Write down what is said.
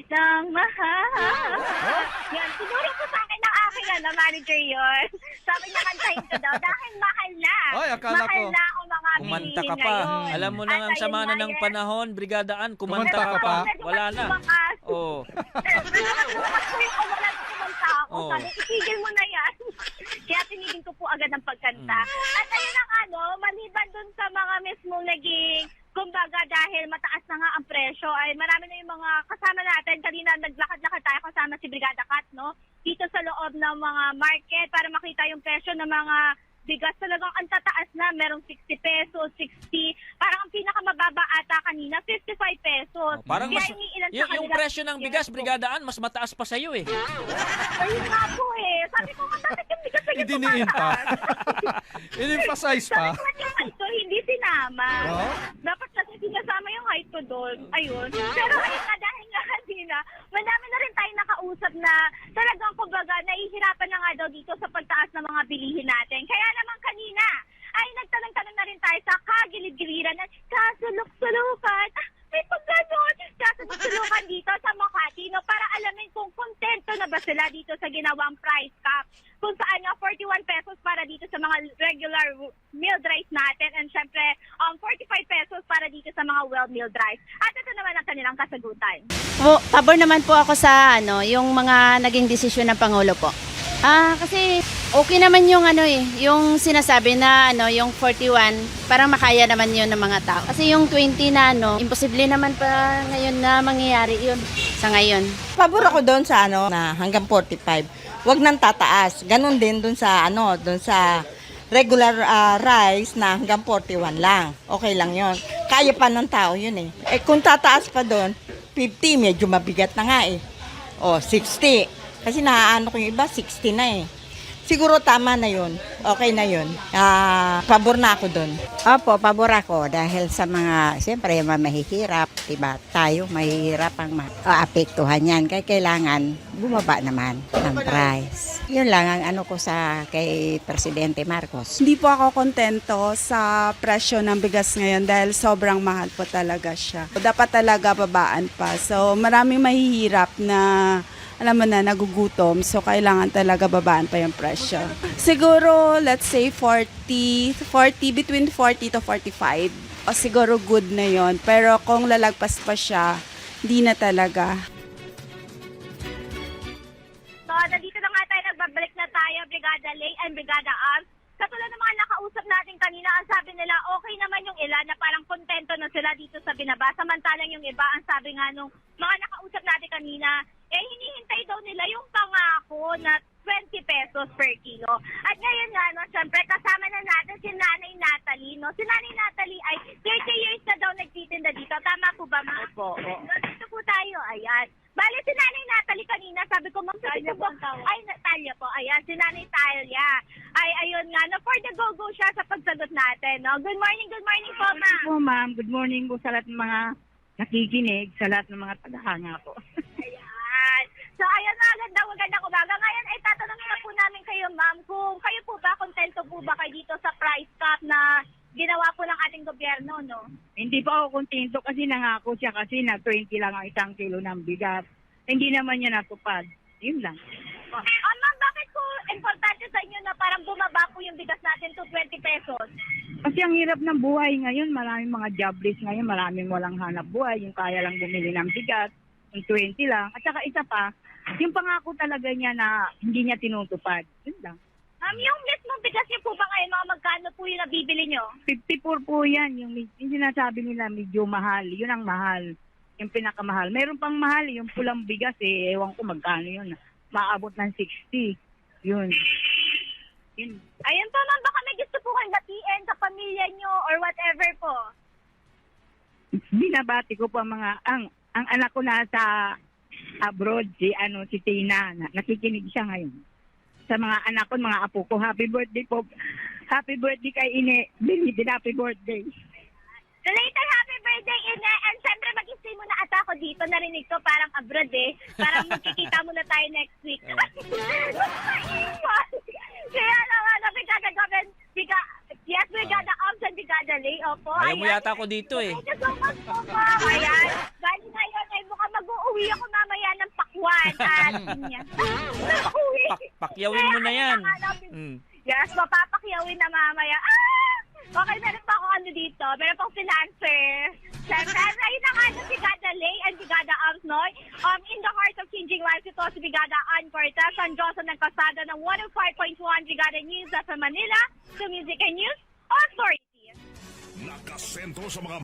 kitang mahal. Yan, siguro po sa akin ng aking manager yun. Sabi niya kantahin ko daw dahil mahal na. Ay, akala mahal ko. na ang mga Kumanta bilihin ka pa. ngayon. Alam mo na At ang ayun sama na nga, ng yes. panahon, Brigadaan, kumanta Kumanta ka ka pa. pa? Wala na. Oo. Oo. Sabi, itigil mo na yan. Kaya tinigil ko po agad ang pagkanta. At ayun ang maliban dun sa mga mismong naging, kumbaga dahil mataas na nga ang presyo, ay marami na yung mga kasama natin. Kanina naglakad-lakad tayo kasama si Brigada Kat, no? Dito sa loob ng mga market para makita yung presyo ng mga bigas. Talagang ang tataas na, merong 60 pesos, 60. Parang ang pinakamababa ata kanina, 55 pesos. Parang Kaya mas, iniilan sa yung kanila- presyo ng bigas, Brigadaan, mas mataas pa sa'yo eh. Ayun nga po eh. Sabi ko, bakit yung bigas na Idiniin pa. In-emphasize pa. Sabi ko yung height ko, hindi sinama. Oo. Dapat kasi sinasama yung height ko doon. Ayun. Pero ayun nga, dahil nga kanina, madami na rin tayo nakausap na talagang kumbaga nahihirapan na nga daw dito sa pagtaas ng mga bilihin natin. Kaya naman kanina, ay nagtanong-tanong na rin tayo sa kagilid-giliran at kasulok-sulukan. May pagganon, kasulok-sulukan dito sa Makati, no, para alamin kung kontento na ba sila dito sa ginawang price cap. Kung saan nga 41 pesos para dito sa mga regular milled rice natin and syempre 45 pesos para dito sa mga well-milled rice. At ito naman ang kanilang kasagutan. Pabor naman po ako sa yung mga naging desisyon ng Pangulo po. Kasi okay naman yung yung sinasabi na yung 41, parang makaya naman yun ng mga tao. Kasi yung 20 na imposible naman pa ngayon na mangyayari yun sa ngayon. Pabor ako doon sa na hanggang 45. Wag nang tataas. Ganon din doon sa doon sa regular rice na hanggang 41 lang. Okay lang 'yon. Kaya pa ng tao 'yun eh. Eh kung tataas pa doon, 50 medyo mabigat na nga eh. O 60. Kasi naaano ko yung iba 60 na eh. Siguro tama na 'yun. Okay na 'yun. Pabor na ako doon. Opo, pabor ako dahil sa mga, siyempre, mahihirap, diba? Tayo, mahihirap ang maapektuhan yan. Kaya kailangan bumaba naman ng price. Yun lang ang ano ko sa kay Presidente Marcos. Hindi po ako kontento sa presyo ng bigas ngayon dahil sobrang mahal po talaga siya. Dapat talaga babaan pa. So maraming mahihirap na alam mo na, nagugutom. So, kailangan talaga babaan pa yung presyo. Siguro, let's say 40, between 40 to 45. O siguro good na yon. Pero kung lalagpas pa siya, di na talaga. So, nandito na nga tayo, nagbabalik na tayo, Brigada Lay and Brigada Arms. Katulad ng mga nakausap natin kanina, ang sabi nila, okay naman yung ilan na parang kontento na sila dito sa binaba. Samantalang yung iba, ang sabi nga nung mga nakausap natin kanina, hinihintay daw nila yung pangako na 20 pesos per kilo. At ngayon nga, syempre, kasama na natin si Nanay Natalie. Si Nanay Natalie ay 30 years na daw nagtitinda dito. Tama po ba, ma'am? Opo. Dito po tayo, ayan. Bale, si Nanay Natalie kanina, sabi ko, ma'am, Talia po. Ay, Talia po, ayan, si Nanay Talia. Ay, ayun nga, for the go-go siya sa pagsagot natin. Good morning po, ma'am. Po, ma'am. Good morning po sa lahat ng mga nakikinig, sa lahat ng mga tagahanga po. Ayan. So, ayun na, magandang umaga. Ngayon ay tatanungin na po namin kayo, ma'am, kung kayo po ba, kontento po ba kayo dito sa price cap na ginawa po ng ating gobyerno, no? Hindi pa ako kontento kasi nangako siya kasi na 20 lang ang isang kilo ng bigas. Hindi naman niya natupad. Yun lang. Ma'am, bakit po importante sa inyo na parang bumaba po yung bigas natin to 20 pesos? Kasi ang hirap ng buhay ngayon, maraming mga jobless ngayon, maraming walang hanap buhay, yung kaya lang bumili ng bigas, yung 20 lang. At saka isa pa, yung pangako talaga niya na hindi niya tinutupad. Yun lang. Yung mismong bigas niyo po ba ngayon, mga magkano po yung nabibili niyo? 54 po yan. Yung sinasabi nila medyo mahal. Yun ang mahal. Yung pinakamahal. Meron pang mahal. Yung pulang bigas ewan ko magkano yun. Maabot ng 60. Yun. Ayun po, ma'am, baka may gusto po kayong batiin sa pamilya niyo or whatever po. Binabati ko po ang anak ko nasa abroad, si Tina. Nakikinig siya ngayon. Sa mga anak ko, mga apo ko, happy birthday po. Happy birthday kay Ine. Binitin, happy birthday. So later, happy birthday, Ine. And syempre, mag-stay muna ata ako dito. Narinig ko parang abroad eh. Parang magkikita muna tayo next week. Kaya naman, yes, Brigada Arms and Brigada Lay. Opo, Ayaw mo yata ako dito eh. Thank you so much po, ma'am. Ayan. Bali ngayon, ay mukhang mag-uuwi ako mamaya natin yan. Uwi. Pakyawin mo na yan. Kaya, natin- Mm. Yes, mapapakyawin na mamaya. Okay, meron pa akong ano dito. Meron pang financer. Siyempre, ayun na nga si Brigada Lay and Brigada Amsnoy. In the heart of changing lives, ito si Brigada Ann Cortez, San Jose ng Pasada ng 105.1 Brigada News sa Manila, to Music and News Authority. Nakasentro sa mga